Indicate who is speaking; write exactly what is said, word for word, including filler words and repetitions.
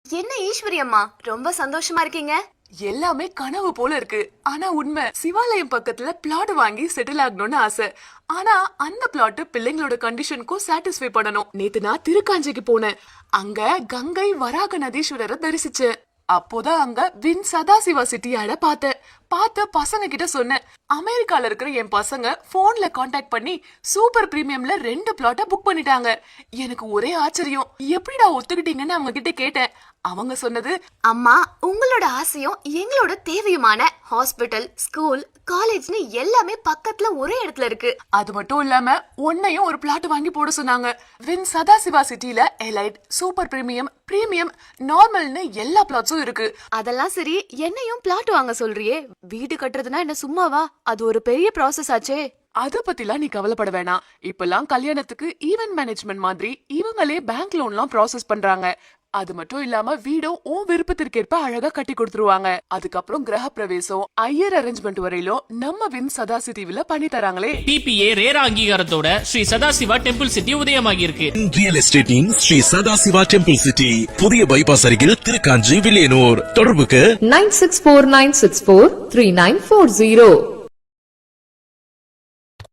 Speaker 1: என்ன ஈஸ்வரி அம்மா ரொம்ப சந்தோஷமா இருக்கீங்க?
Speaker 2: எல்லாமே கனவு போல இருக்கு. ஆனா உண்மை, சிவாலயம் பக்கத்துல பிளாட் வாங்கி செட்டில் ஆகணும்னு ஆசை. ஆனா அந்த பிளாட் பிள்ளைங்களோட கண்டிஷனுக்கும் சாட்டிஸ்ஃபை பண்ணணும். நேத்து நான் திருக்காஞ்சிக்கு போனேன். அங்க கங்கை வராக நதீஸ்வரரை தரிசிச்சேன். அப்போதான் அங்க வின் சதாசிவா சிட்டியாட பார்த்தேன். பார்த்து பசங்க கிட்ட சொன்னேன், அமெரிக்கால இருக்கிற என் பசங்க போன்ல கான்டாக்ட் பண்ணி சூப்பர் பிரீமியம்ல ரெண்டு பிளாட்ட புக் பண்ணிட்டாங்க. எனக்கு ஒரே ஆச்சரியம், எப்படிடா ஒத்துக்கிட்டீங்கன்னு அவங்க கிட்ட கேட்டேன். அவங்க சொன்னது,
Speaker 1: அம்மா உங்களோட ஆசையும் எங்களோட தேவையுமான ஹாஸ்பிட்டல், ஸ்கூல், காலேஜ்னு எல்லாமே பக்கத்துல ஒரே இடத்துல இருக்கு.
Speaker 2: அது மட்டும் இல்லாம உன்னையும் ஒரு பிளாட் வாங்கி போட சொன்னாங்க. வின் சதாசிவா சிட்டில எலைட், சூப்பர் பிரீமியம், பிரீமியம், நார்மல்னு எல்லா பிளாட்ஸும் இருக்கு.
Speaker 1: அதெல்லாம் சரி, என்னையும் பிளாட் வாங்க சொல்றியே? வீடு கட்டுறதுனா என்ன சும்மாவா? அது ஒரு பெரிய ப்ராசஸ் ஆச்சே.
Speaker 2: அத பத்திலாம் நீ கவலைப்பட வேணாம். இப்பெல்லாம் கல்யாணத்துக்கு ஈவென்ட் மேனேஜ்மெண்ட் மாதிரி இவங்களே பேங்க் லோன்லாம் ப்ராசஸ் பண்றாங்க. அது மட்டும் இல்லாம வீடும் உன் விருப்பத்திற்கேற்ப அழகா கட்டி கொடுத்துருவாங்க. அதுக்கப்புறம் கிரக பிரவேசம், ஐயர் அரேஞ்ச்மெண்ட் வரையிலும் நம்ம வின் சதாசிவா பண்ணி தராங்களே.
Speaker 3: டிபிஏ ரேரா அங்கீகாரத்தோட ஸ்ரீ சதாசிவா டெம்பிள் சிட்டி உதயமாகி இருக்கு.
Speaker 4: ரியல் எஸ்டேட்டின் ஸ்ரீ சதாசிவா டெம்பிள் சிட்டி, புதிய பைபாஸ் அருகில் திருக்காஞ்சி, வில்லியனூர். தொடர்புக்கு
Speaker 5: nine six four nine six four three nine four zero.